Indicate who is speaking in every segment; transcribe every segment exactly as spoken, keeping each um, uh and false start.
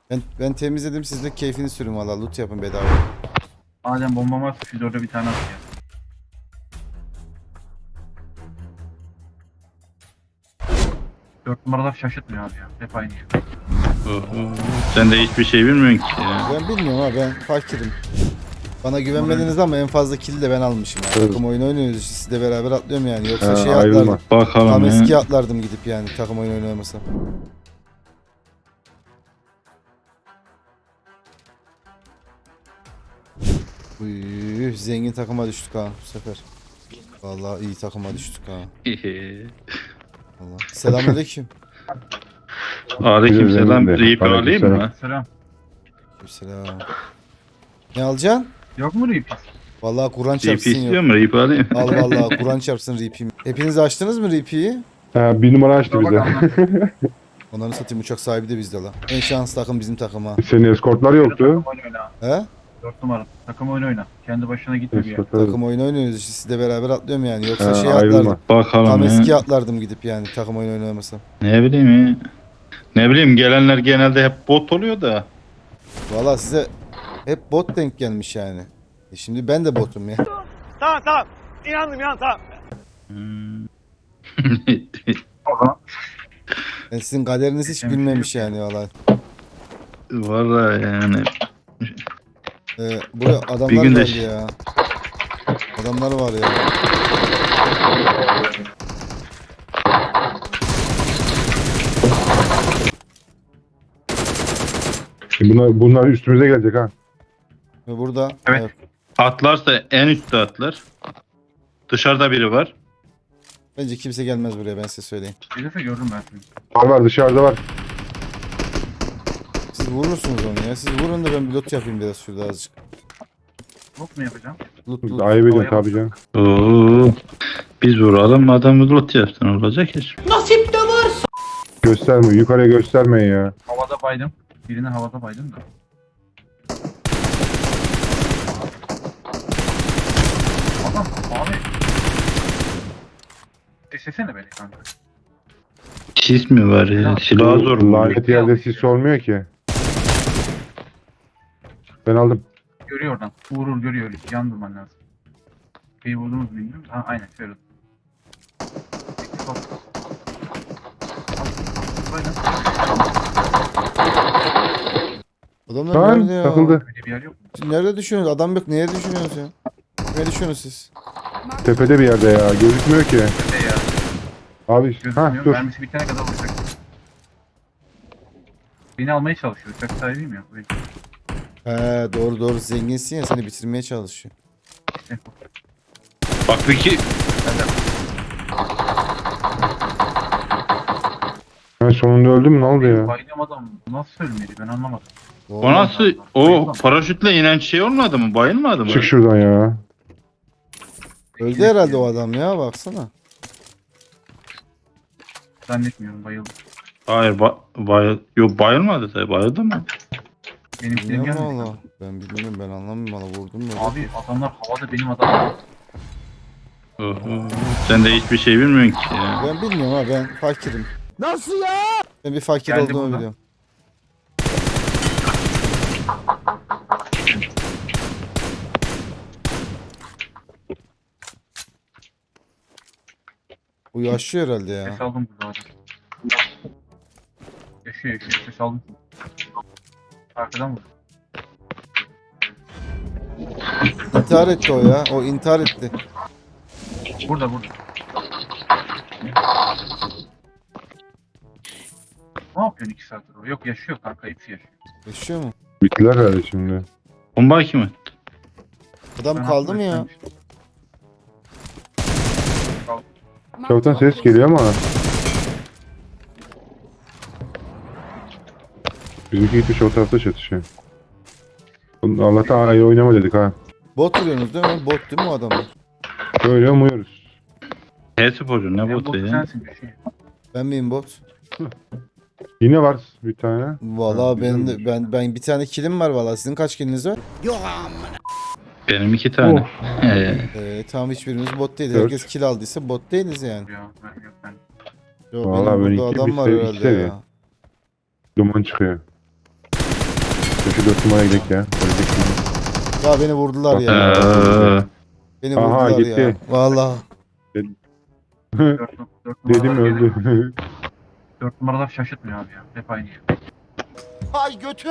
Speaker 1: Ben, ben temizledim, siz de keyfini sürün valla, loot yapın bedava.
Speaker 2: Madem bombam var, siz orada bir tane atıyor. Dört numaralar şaşırtmıyor abi ya. Hep aynı şey.
Speaker 3: Oho. Sen de hiçbir şey bilmiyorsun ki ya.
Speaker 1: Ben bilmiyorum ha, ben fakirim. Bana güvenmediniz ama en fazla kill'i de ben almışım yani.
Speaker 4: Evet.
Speaker 1: Takım oyunu oynuyoruz, sizle beraber atlıyorum yani. Yoksa
Speaker 4: Ha,
Speaker 1: şey
Speaker 4: ayrılma.
Speaker 1: atlardım.
Speaker 3: Bakalım
Speaker 1: Tam
Speaker 3: ya.
Speaker 1: eski atlardım gidip yani, takım oyunu oynamasam. Uy, zengin takıma düştük ha bu sefer. Vallahi iyi takıma düştük ha. Vallahi. Selamünaleyküm.
Speaker 3: Aleyküm selam.
Speaker 4: Aleyküm
Speaker 3: Reaper alayım
Speaker 4: selam.
Speaker 3: mı?
Speaker 2: Selam.
Speaker 1: Selam. Ne alacaksın?
Speaker 2: Yok mu Reapers?
Speaker 1: Vallahi Kur'an
Speaker 3: Reaper
Speaker 1: çarpsın
Speaker 3: istiyor
Speaker 1: yok.
Speaker 3: mu? Reaper alayım.
Speaker 1: Al vallahi Kur'an çarpsın Reaper'imi. Hepiniz açtınız mı Reaper'yi?
Speaker 4: Ha, bir numara açtı bize.
Speaker 1: Onların satayım, uçak sahibi de bizde la. En şanslı takım bizim takım ha.
Speaker 4: Senin eskortlar yoktu.
Speaker 2: Takım oyunu oyna.
Speaker 1: He?
Speaker 2: Dört numara. Takım oyunu oyna. Kendi başına gitme bir yer.
Speaker 4: Eskortlar.
Speaker 1: Takım oyunu oynuyoruz işte, sizle beraber atlıyorum yani. Yoksa
Speaker 4: Ha,
Speaker 1: şey
Speaker 4: ayrılma.
Speaker 1: atlardım.
Speaker 3: Bakalım
Speaker 1: Tam
Speaker 3: ya.
Speaker 1: eski atlardım gidip yani, takım oyunu oynamasam.
Speaker 3: Ne bileyim ya. Ne bileyim, gelenler genelde hep bot oluyor da.
Speaker 1: Valla size hep bot denk gelmiş yani. E şimdi ben de botum ya.
Speaker 5: Tamam tamam. İnandım inan tamam.
Speaker 3: Hmm.
Speaker 2: O zaman
Speaker 1: Ben sizin kaderiniz hiç bilmemiş yani valla.
Speaker 3: Valla yani.
Speaker 1: Ee, buraya adamlar
Speaker 3: Bir gün de-
Speaker 1: geldi ya. Adamlar var ya.
Speaker 4: Bunlar, bunlar üstümüze gelecek ha.
Speaker 1: Ve burada
Speaker 2: Evet.
Speaker 3: Atlarsa en üstte atlar. Dışarıda biri var.
Speaker 1: bence kimse gelmez buraya, ben size söyleyeyim.
Speaker 2: gelirse görürüm ben seni.
Speaker 4: Var var, dışarıda var.
Speaker 1: Siz vurursunuz onu ya. Siz vurun da ben bir loot yapayım biraz şurada azıcık.
Speaker 2: Yok mu yapacağım?
Speaker 1: Loot loot.
Speaker 4: Ayıp edin tabii canım.
Speaker 3: Oo. Biz vuralım, adamı lot yapsın, olacak iş.
Speaker 4: Gösterme, yukarıya göstermeyin ya.
Speaker 2: Havada baydım. Birini havada baydım da. Adam abi. Desesene beni kanka.
Speaker 3: Sis mi var ya? Silah zor mu?
Speaker 4: Lanet yerde sis olmuyor ki. Ben aldım.
Speaker 2: Görüyor oradan. Vurur görüyor. Yan durman lazım. Şeyi vurdunuz mu bilmiyorum. Ha aynen şöyle. Bak. Aynen.
Speaker 1: Adamlar
Speaker 4: Lan
Speaker 1: nerede ya?
Speaker 4: takıldı.
Speaker 2: Öyle bir yer yok mu?
Speaker 1: Siz nerede düşünüyorsunuz? Adam yok. Neye düşünüyorsunuz ya? Ne düşünüyorsunuz siz?
Speaker 4: Tepede bir yerde ya. Gözükmüyor ki.
Speaker 2: Öte ya.
Speaker 4: Abi ha
Speaker 2: Gözükmüyor.
Speaker 4: dur.
Speaker 2: Mermisi bitene kadar vuracak. Beni almaya çalışıyor. Uçak sahibiyim ya. Böyle
Speaker 1: He doğru doğru, zenginsin ya, seni bitirmeye çalışıyor.
Speaker 2: işte.
Speaker 3: Bak bir ki
Speaker 4: Ha, sonunda öldüm mü, ne oldu ya?
Speaker 2: Bayılıyorum adam. Nasıl ölmedi ben anlamadım.
Speaker 1: Doğru.
Speaker 3: o nasıl, o
Speaker 2: Bayılmam.
Speaker 3: paraşütle inen şey olmadı mı? Bayılmadı mı?
Speaker 4: Çık şuradan ya.
Speaker 1: Öldü herhalde o adam ya, baksana.
Speaker 2: Zannetmiyorum bayıldım.
Speaker 3: Hayır, ba bayıl yok, bayılmadı tabii. Bayıldı mı?
Speaker 2: Benimkilerim
Speaker 1: Bilmiyorum
Speaker 2: gelmedi.
Speaker 1: valla. Ben bilmiyorum, ben anlamıyorum valla, vurdum mu?
Speaker 2: Abi adamlar havada benim adam.
Speaker 3: Oho. Sen de hiçbir şey bilmiyorsun ki ya.
Speaker 1: Ben bilmiyorum ha, ben fakirim. Nasıl ya? Ben bir fakir
Speaker 2: Geldi
Speaker 1: olduğumu
Speaker 2: buradan.
Speaker 1: biliyorum. Bu yaşıyor herhalde ya.
Speaker 2: Ses aldım burada abi. Yaşıyor yaşıyor ses aldım. Arkadan vur.
Speaker 1: İntihar etti o ya. O intihar etti.
Speaker 2: Burada burada. Ne yapıyorsun iki saattir o? Yok yaşıyor kanka hepsi yaşıyor.
Speaker 1: Yaşıyor mu?
Speaker 4: Bittiler herhalde şimdi.
Speaker 3: Bomba kim attı?
Speaker 1: Adam
Speaker 2: Ben
Speaker 1: kaldı mı ya?
Speaker 2: atlamıştım.
Speaker 4: Çavutan ses geliyor ama. Bizimki gitmiş o tarafta çatışıyor. Allah'tan ayrı oynama dedik ha.
Speaker 1: Bot vuruyorsunuz değil mi? Bot değil mi o adamlar?
Speaker 4: Öyle umuyoruz.
Speaker 3: H-Sporcu ne
Speaker 2: En
Speaker 3: botu
Speaker 2: botu
Speaker 3: ya?
Speaker 2: sensin bir şey.
Speaker 1: Ben miyim bot?
Speaker 4: Yine var bir tane.
Speaker 1: Valla
Speaker 4: Ha,
Speaker 1: ben,
Speaker 4: güzelmiş.
Speaker 1: ben ben bir tane kilim var valla. Sizin kaç kiliniz var?
Speaker 3: Benim iki tane.
Speaker 4: Oh.
Speaker 3: Ee,
Speaker 1: Ee, tamam, hiçbirimiz bot değil.
Speaker 4: Dört.
Speaker 1: Herkes kill aldıysa bot değiliz yani.
Speaker 2: Ya ben yok ben.
Speaker 1: Yo,
Speaker 4: Vallahi
Speaker 1: benim
Speaker 4: ben
Speaker 1: burada
Speaker 4: iki-
Speaker 1: adam
Speaker 4: bir
Speaker 1: var
Speaker 4: sev- iki
Speaker 1: herhalde
Speaker 4: seviye.
Speaker 1: ya.
Speaker 4: Duman çıkıyor. Şu dört numaraya gidelim ya. Ölecek şimdi.
Speaker 1: Ya beni vurdular ya.
Speaker 3: Ee,
Speaker 1: Beni
Speaker 4: Aha,
Speaker 1: vurdular ya.
Speaker 4: gitti.
Speaker 1: Vallahi.
Speaker 2: Dört, dört
Speaker 4: Dedim
Speaker 2: numaralar geliyor.
Speaker 4: öldü.
Speaker 2: Dört numaralar şaşırtmıyor abi ya. Hep aynı ya.
Speaker 5: Ay götüm.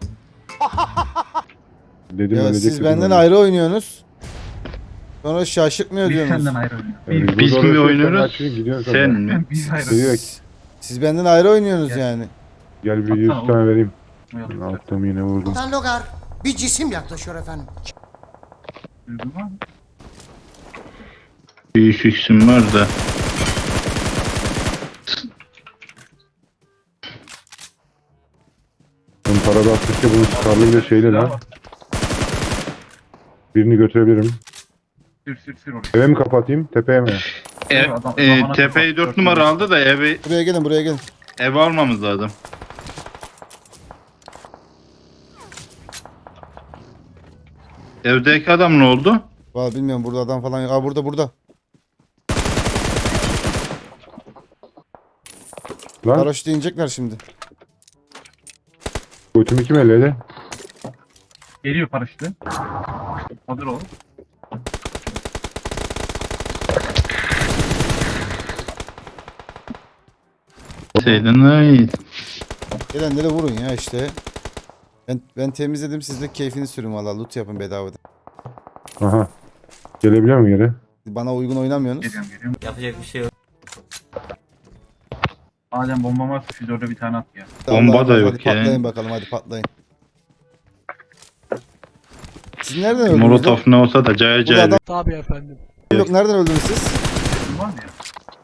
Speaker 4: Dedim
Speaker 1: Ya
Speaker 4: ölecek.
Speaker 1: siz
Speaker 4: dedim
Speaker 1: benden
Speaker 4: öldü.
Speaker 1: ayrı oynuyorsunuz. Sonra şaşırtmıyor
Speaker 2: Biz
Speaker 1: diyorsunuz.
Speaker 2: senden ayrı oynuyoruz.
Speaker 4: Yani
Speaker 3: biz
Speaker 4: burada
Speaker 3: mi
Speaker 4: uğraşıyorsan
Speaker 3: oynuyoruz?
Speaker 4: açın, gidiyorsun
Speaker 3: Sen
Speaker 4: sonra.
Speaker 3: mi?
Speaker 2: Biz ayrı
Speaker 4: Direkt.
Speaker 2: oynuyoruz.
Speaker 1: Siz benden ayrı oynuyorsunuz
Speaker 2: Gel.
Speaker 1: yani.
Speaker 4: Gel bir
Speaker 2: Atsana
Speaker 4: yüz
Speaker 2: oğlum.
Speaker 4: tane vereyim.
Speaker 2: Oynayalım.
Speaker 4: Attım yine vurdum.
Speaker 6: Kaptan Logar, bir cisim yaklaşıyor efendim.
Speaker 2: Duydun mu?
Speaker 3: Bir üç x'im var da.
Speaker 4: Bunun para da attıkça bunun çıkarlı bir şeyle lan. Birini götürebilirim.
Speaker 2: Sür sür sür oraya.
Speaker 4: Eve mi kapatayım? Tepeye mi?
Speaker 3: E,
Speaker 2: Adam-
Speaker 3: e,
Speaker 2: zamana
Speaker 3: tepeyi
Speaker 2: kapat.
Speaker 3: dört numara aldı da evi
Speaker 1: Buraya gelin buraya gelin.
Speaker 3: ev almamız lazım. Evdeki adam ne oldu?
Speaker 1: Vallahi bilmiyorum burada adam falan yok. Aa burada burada.
Speaker 4: Lan
Speaker 1: Paraşütle inecekler şimdi.
Speaker 4: götümü kim elledi?
Speaker 2: Geliyor paraşütü. Hazır ol.
Speaker 3: Seydin ay.
Speaker 1: Gelenleri vurun ya işte. Ben, ben temizledim siz de keyfini sürün valla. Loot yapın bedavadan.
Speaker 4: Aha. Gelebiliyor mu geri?
Speaker 1: Bana uygun oynamıyorsunuz.
Speaker 2: Geliyorum geliyorum.
Speaker 6: Yapacak bir şey yok.
Speaker 2: Adem bomba varsa şu dörde bir tane at ya.
Speaker 3: Bomba
Speaker 1: Allah'a
Speaker 3: da
Speaker 1: emanet.
Speaker 3: yok
Speaker 1: Hadi
Speaker 3: ya.
Speaker 1: patlayın bakalım hadi patlayın. Siz nereden öldünüz? lan?
Speaker 3: Molotov ne olsa da cayır
Speaker 1: Burada
Speaker 3: cayır.
Speaker 1: adam
Speaker 7: Tabii efendim.
Speaker 1: yok. Nereden öldünüz siz?
Speaker 2: Kim var mı ya?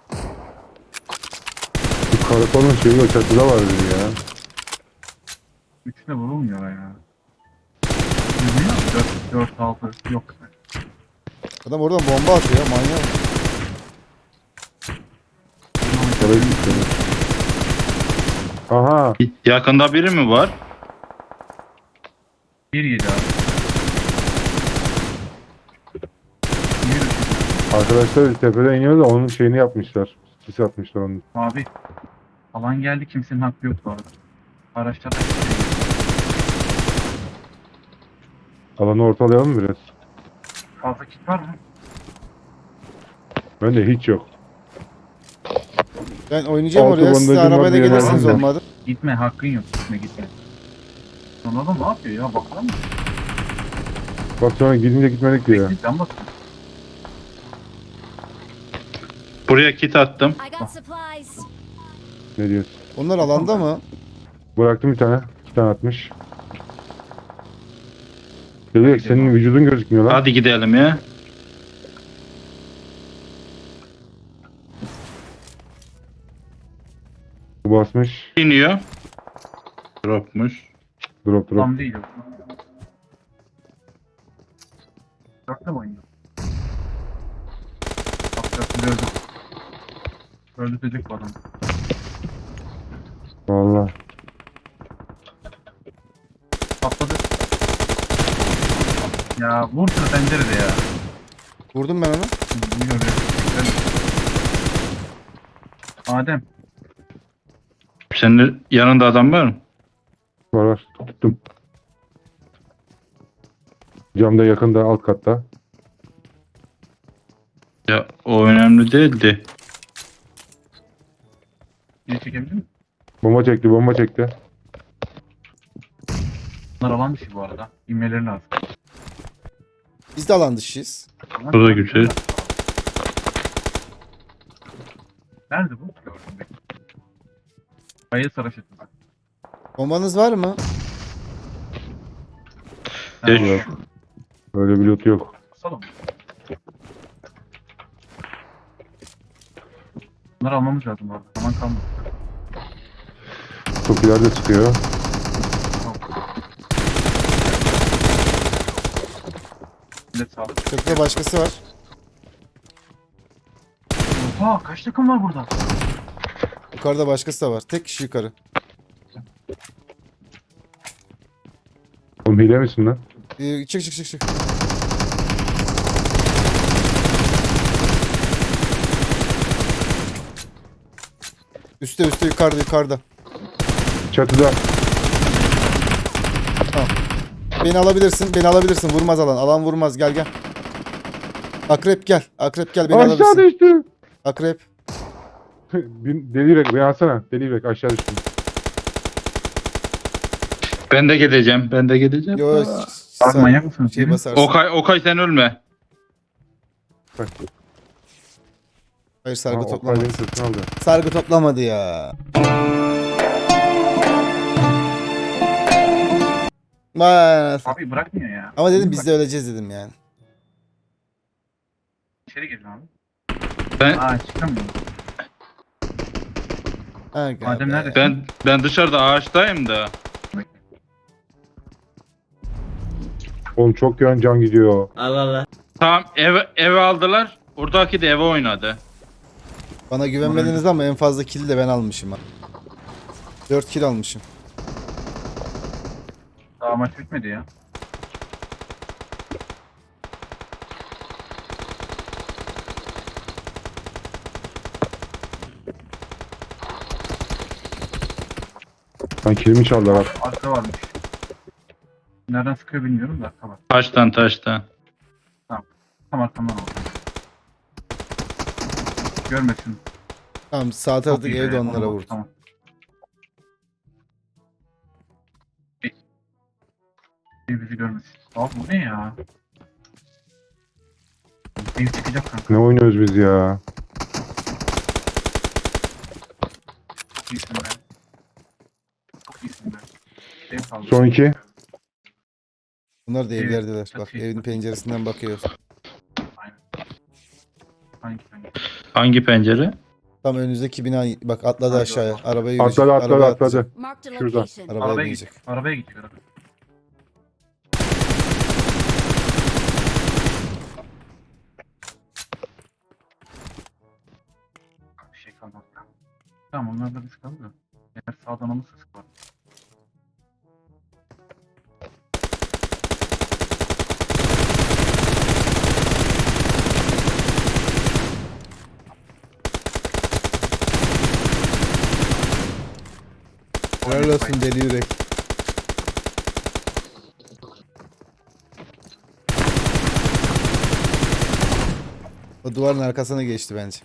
Speaker 4: Bu karakolun şeyi o çatıda var dedi ya.
Speaker 2: Üçüne vurulmuyor ya. Bilmiyor musun? Dört, dört, altı. Yok.
Speaker 1: Adam oradan bomba atıyor ya manyak.
Speaker 4: Oraya gitti. Aha.
Speaker 3: Yakında biri mi var?
Speaker 2: Bir yedi abi. Yürü.
Speaker 4: Arkadaşlar tepeden iniyor da onun şeyini yapmışlar. Sis atmışlar onun.
Speaker 2: Abi. Alan geldi, kimsenin hakkı yok bu arada. Araçlar da
Speaker 4: Alanı ortalayalım mı biraz?
Speaker 2: fazla kit var mı?
Speaker 4: Bende hiç yok.
Speaker 1: Ben oynayacağım
Speaker 4: Altı
Speaker 1: oraya. Siz de
Speaker 4: bandajım var,
Speaker 1: arabayla
Speaker 4: bir yerden
Speaker 1: gelirsiniz
Speaker 4: aldım.
Speaker 1: olmadı.
Speaker 2: Gitme, hakkın yok. Gitme gitme. Son adam ne yapıyor ya? Baksana mı?
Speaker 4: Bak sonra gidince gitmedik diyor.
Speaker 2: Bekle, can basın.
Speaker 3: Buraya kit attım.
Speaker 8: I got supplies.
Speaker 4: Ne diyorsun?
Speaker 1: Onlar alanda mı?
Speaker 4: Bıraktım bir tane. İki tane atmış. Dedi senin vücudun gözükmüyor lan.
Speaker 3: Hadi gidelim ya.
Speaker 4: Bu basmış.
Speaker 3: İniyor. Dropmuş.
Speaker 4: Drop drop.
Speaker 2: Tam değil o. Dörtte mi oynuyor? Bak dörtte öldü. Öldürecek bu adam.
Speaker 4: Valla.
Speaker 2: Patladı. Ya vur şu pencerede ya.
Speaker 1: Vurdum ben onu.
Speaker 2: Biliyorum. Adem.
Speaker 3: Senin yanında adam var mı?
Speaker 4: Var var. Tuttum. Camda yakında alt katta.
Speaker 3: Ya o önemli değildi.
Speaker 2: Geri çekebilir mi?
Speaker 4: Bomba çekti bomba çekti.
Speaker 2: Bunlar alan dışı bu arada. İnmeleri lazım.
Speaker 1: Biz de alan dışıyız.
Speaker 3: Bu da güzel.
Speaker 2: Nerede bu? Gördüm ben. Kayı saraşıtı.
Speaker 1: Bombanız var mı?
Speaker 3: Geç.
Speaker 4: Yok. Öyle bir loot yok.
Speaker 2: Basalım. Bunları almamız lazım bu arada. Zaman kalmadı.
Speaker 4: Çok ileride çıkıyor.
Speaker 2: Millet sağlık.
Speaker 1: Köprüde başkası var.
Speaker 2: Oha kaç takım var burada?
Speaker 1: Yukarıda başkası da var. Tek kişi yukarı.
Speaker 4: Oğlum hile misin lan?
Speaker 1: Ee, çık çık çık çık. Üste üste yukarıda yukarıda.
Speaker 4: Çatıda.
Speaker 1: Tamam. Beni alabilirsin. Beni alabilirsin. Vurmaz alan. Alan vurmaz. Gel gel. Akrep gel. Akrep gel. Beni
Speaker 4: Aşağı
Speaker 1: alabilirsin.
Speaker 4: düştü.
Speaker 1: Akrep.
Speaker 4: Bir- Deli yürek beni alsana. Deli yürek aşağı düştüm.
Speaker 3: Ben de gideceğim. Ben de gideceğim.
Speaker 1: Yo,
Speaker 2: Abi
Speaker 1: sen
Speaker 2: manyak mısınız?
Speaker 1: şey
Speaker 2: Gelin.
Speaker 1: basarsın.
Speaker 3: Okay, Okay sen ölme.
Speaker 4: Bak.
Speaker 1: Hayır
Speaker 4: Ha,
Speaker 1: sargı
Speaker 4: o
Speaker 1: toplamadı.
Speaker 4: kaydın sırtını aldı.
Speaker 1: Sargı toplamadı ya. Vay.
Speaker 2: Abi bırakmıyor ya.
Speaker 1: Ama dedim
Speaker 2: Gelin
Speaker 1: biz
Speaker 2: bak,
Speaker 1: de öleceğiz dedim yani.
Speaker 2: İçeri gelin abi.
Speaker 3: Ben
Speaker 2: Aa çıkamıyorum.
Speaker 1: Ha, gel
Speaker 2: Adem
Speaker 1: be.
Speaker 2: nerede?
Speaker 3: ben ben dışarıda ağaçtayım da.
Speaker 4: Oğlum çok yön can gidiyor.
Speaker 3: Tamam ev eve aldılar. Oradaki de eve oynadı.
Speaker 1: Bana güvenmediniz ama en fazla kill de ben almışım ha. dört kill almışım.
Speaker 2: Daha maç bitmedi ya.
Speaker 4: Lan kilimi çaldılar bak.
Speaker 2: Arka varmış. Nereden sıkıyor bilmiyorum da arka var.
Speaker 3: Taştan taştan.
Speaker 2: Tam arkamdan oldu. Görmesin.
Speaker 1: Tamam sağ
Speaker 2: Çok
Speaker 1: taraftaki
Speaker 2: iyi
Speaker 1: evde
Speaker 2: be,
Speaker 1: onlara
Speaker 2: ona bak,
Speaker 1: vurdu.
Speaker 2: Tamam. Ev bizi görmesin. Abi bu ne ya? Ev çıkacak kanka.
Speaker 4: Ne oynuyoruz biz ya?
Speaker 2: Çok iyisin be. Çok iyisin be. Ev kaldı.
Speaker 4: Son iki.
Speaker 1: Bunlar da
Speaker 2: Evet,
Speaker 1: evlerdeler.
Speaker 2: çok
Speaker 1: Bak
Speaker 2: iyi.
Speaker 1: evin penceresinden bakıyor.
Speaker 2: Aynen. Hangi hangi?
Speaker 3: Hangi pencere?
Speaker 1: Tam önünüzdeki bina bak atladı
Speaker 2: Hadi
Speaker 1: aşağıya.
Speaker 2: bakalım.
Speaker 1: Arabaya yürüyecek.
Speaker 4: Atladı atladı
Speaker 1: Arabaya
Speaker 4: atladı.
Speaker 1: atlayacak.
Speaker 7: Marked a
Speaker 4: Şurada.
Speaker 7: location.
Speaker 1: Arabaya
Speaker 2: Arabaya
Speaker 1: binecek.
Speaker 2: git. Arabaya git. Arabaya. Bir şey kalmadı. Tamam onlarla biz kaldı. Eğer sağdan alırsa sık var.
Speaker 1: Helal olsun deli yürek. O duvarın arkasına geçti bence.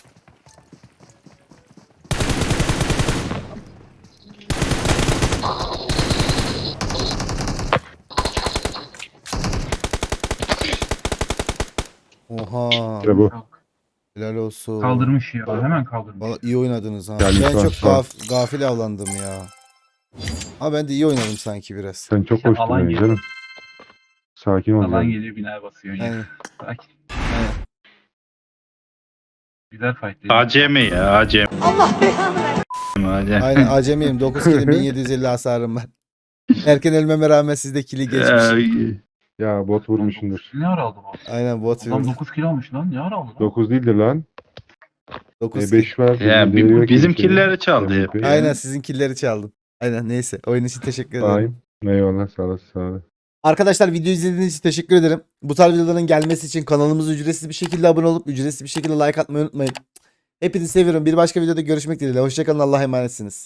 Speaker 1: Oha.
Speaker 4: İşte bu.
Speaker 1: Helal olsun.
Speaker 2: Kaldırmış ya. Hemen kaldırmış.
Speaker 1: Valla iyi oynadınız ha.
Speaker 4: Geldik
Speaker 1: ben
Speaker 4: lan,
Speaker 1: çok
Speaker 4: sağ ol.
Speaker 1: gaf gafil avlandım ya. Ama ben de iyi oynadım sanki biraz.
Speaker 4: Sen çok
Speaker 2: İşte
Speaker 4: hoştun
Speaker 2: alan
Speaker 4: beni
Speaker 2: geliyor.
Speaker 4: canım. Sakin ol.
Speaker 2: Alan
Speaker 4: canım.
Speaker 2: geliyor binaya basıyor. Ya.
Speaker 1: Aynen.
Speaker 2: Sakin.
Speaker 1: Aynen.
Speaker 2: Güzel fight değil.
Speaker 3: Acemi ya acemi. Allah belanı
Speaker 1: Aynen acemiyim. dokuz kilim bin yedi yüz elli hasarım var. Erken ölmeme rağmen sizde kili geçmiş.
Speaker 4: Ya bot vurmuşsundur.
Speaker 2: Ne ara aldı bu?
Speaker 1: Aynen bot
Speaker 2: Adam
Speaker 1: vurdu.
Speaker 2: dokuz kilo almış lan. Ne ara aldı lan?
Speaker 4: dokuz değildir lan.
Speaker 1: dokuz
Speaker 4: E,
Speaker 1: kill.
Speaker 4: beş var.
Speaker 3: Ya,
Speaker 4: Deli
Speaker 3: bi-
Speaker 4: yürek
Speaker 3: bizim
Speaker 4: bir şey.
Speaker 3: killeri çaldı
Speaker 4: Demek
Speaker 3: hep.
Speaker 4: ki.
Speaker 1: Aynen sizin killeri çaldım. Aynen neyse. Oyun için teşekkür ederim.
Speaker 4: Aynen. Eyvallah sağ olasın sağ olasın.
Speaker 1: Arkadaşlar video izlediğiniz için teşekkür ederim. Bu tarz videoların gelmesi için kanalımıza ücretsiz bir şekilde abone olup ücretsiz bir şekilde like atmayı unutmayın. Hepinizi seviyorum. Bir başka videoda görüşmek dileğiyle. Hoşçakalın. Allah'a emanetsiniz.